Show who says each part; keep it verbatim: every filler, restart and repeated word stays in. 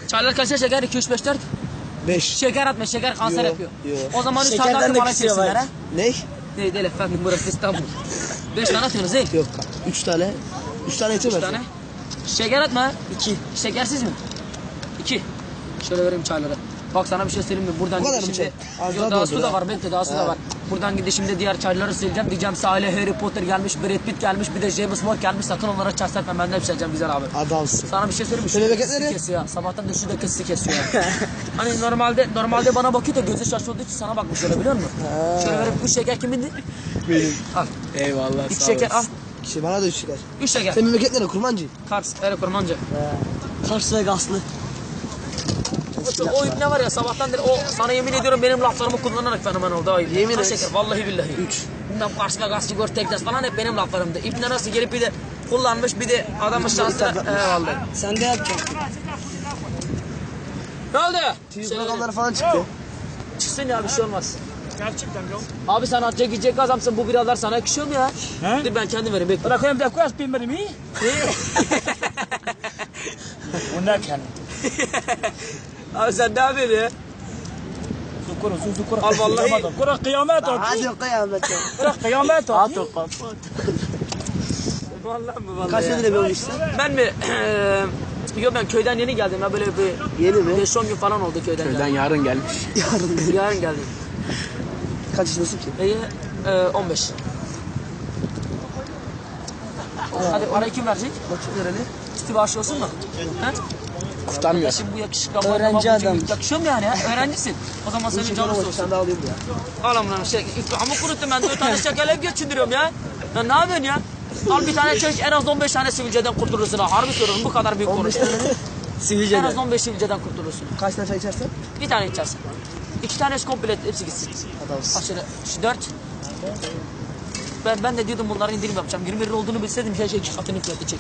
Speaker 1: Çaylar kaça şeker? iki, üç, beş, dört.
Speaker 2: beş.
Speaker 1: Şeker atma, şeker kanser
Speaker 2: Yo,
Speaker 1: yapıyor.
Speaker 2: yo.
Speaker 1: O zaman üç tane
Speaker 3: Şekerden
Speaker 1: atın
Speaker 3: de
Speaker 1: bana
Speaker 3: kısıyor
Speaker 1: çeksinler
Speaker 3: var.
Speaker 1: ha.
Speaker 2: Ne?
Speaker 1: Değil değil efendim, burası İstanbul. beş tane atıyorsunuz değil.
Speaker 2: Yok. üç tane. üç tane yeter
Speaker 1: üç
Speaker 2: mi?
Speaker 1: tane. Şeker atma. iki. Şekersiz mi? iki. Şöyle vereyim çayları. Bak sana bir şey söyleyeyim mi? Buradan
Speaker 2: Bu kadar mı
Speaker 1: gidişimde...
Speaker 2: çay? Az
Speaker 1: Yok
Speaker 2: daha
Speaker 1: daha
Speaker 2: doldur
Speaker 1: su da
Speaker 2: ha.
Speaker 1: var, bekle daha su da
Speaker 2: Ha.
Speaker 1: var. Buradan gidişimde diğer çayları sileceğim. Diyeceğim Salih, Harry Potter gelmiş, Brad Pitt gelmiş, bir de James Bond gelmiş. Sakın onlara çay serpme, ben de hepseceğim güzel abi.
Speaker 2: Adamsın.
Speaker 1: Sana bir şey söyleyeyim mi?
Speaker 2: Şöyle
Speaker 1: Şu
Speaker 2: bekletleri.
Speaker 1: kesi kesiyor ya. Sabahtan da şu da kesi kesiyor ya. Hani normalde normalde bana bakıyor da gözü şaşırdığı için sana bakmış öyle biliyor musun?
Speaker 2: Ha.
Speaker 1: Şöyle verip bu şeker kimindi?
Speaker 2: Benim.
Speaker 1: Al.
Speaker 3: Eyvallah.
Speaker 1: İki şeker al.
Speaker 2: Şey bana da üç şeker.
Speaker 1: Üç şeker.
Speaker 2: Sen memleket nere? Kurmancı.
Speaker 1: Kars, Ere Kurmancı.
Speaker 3: Kars ve Gaslı.
Speaker 1: O, o ip ne var ya sabahtan beri o sana yemin ediyorum benim laflarımı kullanarak fenomen oldu o ip.
Speaker 2: Yemin
Speaker 1: Kaç
Speaker 2: et.
Speaker 1: şeker vallahi billahi. Üç. Bundan Kars ve Gaz, Sigor, Teknes falan hep benim laflarımdı. İp ne nasıl gelip bir de kullanmış bir de adamın şansına. He vallahi.
Speaker 3: Sen de yapacaksın.
Speaker 1: Ne oldu?
Speaker 2: T V
Speaker 1: Şey,
Speaker 2: programları falan çıktı.
Speaker 1: çıksın ya bir şey olmaz.
Speaker 4: Gerçekten yok.
Speaker 1: Abi sen atacak gidecek adamsın bu biralar sana yakışıyor mu ya?
Speaker 4: He?
Speaker 1: Dur ben kendim vereyim bekle.
Speaker 4: Bırakayım da koyas bilmedim iyi. O ne kendi?
Speaker 1: Abi sen ne yapıyorsun ya?
Speaker 4: Zukuru zukuru.
Speaker 1: Al vallahi.
Speaker 4: Kura kıyamet o.
Speaker 2: Hadi kıyamete.
Speaker 4: Kura kıyamet o.
Speaker 3: At o kapat.
Speaker 1: Vallahi mi vallahi
Speaker 2: Kaç
Speaker 1: ya.
Speaker 2: lira bir işte?
Speaker 1: Ben mi? Yok ben köyden yeni geldim ya böyle bir
Speaker 2: Yeni mi?
Speaker 1: beş on gün falan oldu köyden.
Speaker 3: Köyden yarın gelmiş.
Speaker 2: Yarın.
Speaker 1: geldim. Yarın geldim.
Speaker 2: Kaç yaşındasın ki?
Speaker 1: İyi, e, on beş. Hadi parayı kim verecek?
Speaker 2: Bakayım nereli?
Speaker 1: Üstü bağış olsun mu? He?
Speaker 3: Kurtarmıyor.
Speaker 1: Şimdi bu yakışıklı ama
Speaker 3: Öğrenci
Speaker 1: ama bu
Speaker 3: adam.
Speaker 1: Yakışıyor mu yani ya? Öğrencisin. O zaman senin canın
Speaker 2: Sen
Speaker 1: olsun.
Speaker 2: daha alayım ya.
Speaker 1: Al amına şey. İftihamı kuruttum ben dört tane şekerle hep geçindiriyorum ya. Ya ne yapıyorsun ya? Al bir tane çek en az on beş tane sivilceden kurtulursun ha. Harbi söylüyorum bu kadar büyük
Speaker 2: on beş
Speaker 1: konuş.
Speaker 2: tane mi?
Speaker 1: En
Speaker 3: Sivilceden.
Speaker 1: az on beş sivilceden kurtulursun.
Speaker 2: Kaç tane çay içersen?
Speaker 1: Bir tane içersin. İki tane komple hepsi gitsin.
Speaker 2: Adamsın.
Speaker 1: Bak şöyle şu dört. Ben, ben de diyordum bunların indirim yapacağım. yirmi lira olduğunu bilseydim şey şey iki katını fiyatı çeksin.